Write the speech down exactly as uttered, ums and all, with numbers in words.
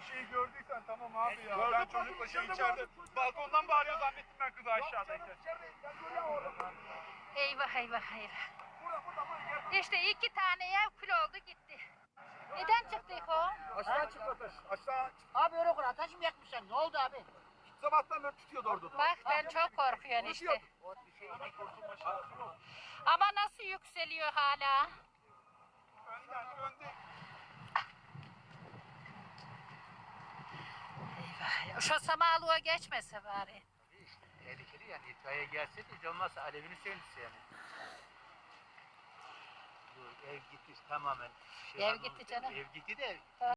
şeyi gördüysen tamam abi ya. Gördüm, Ben gördüm, çocukla şey içeride içeride gördüm, çocuk- balkondan bağırıyor zannettim ben kızı aşağıdayken. Eyvah eyvah eyvah. Burada burada burada gel. İşte iki tane ev kül oldu gitti. Neden çıktık o? Aşağı çık ateş. Aşağı çık. Abi öyle kur ateş mi yakmışlar? Ne oldu abi? Sabahtan beri tutuyordu orada. Bak ben çok korkuyorum işte. O bir şey yemek Ama nasıl yükseliyor hala? Önden önde. Eyvah. Şu samalığa geçmese bari. İşte tehlikeli yani itfaiye gelse de hiç olmazsa alevini söndürse yani. Bu ev gitti tamamen. Ev gitti canım. Ev gitti de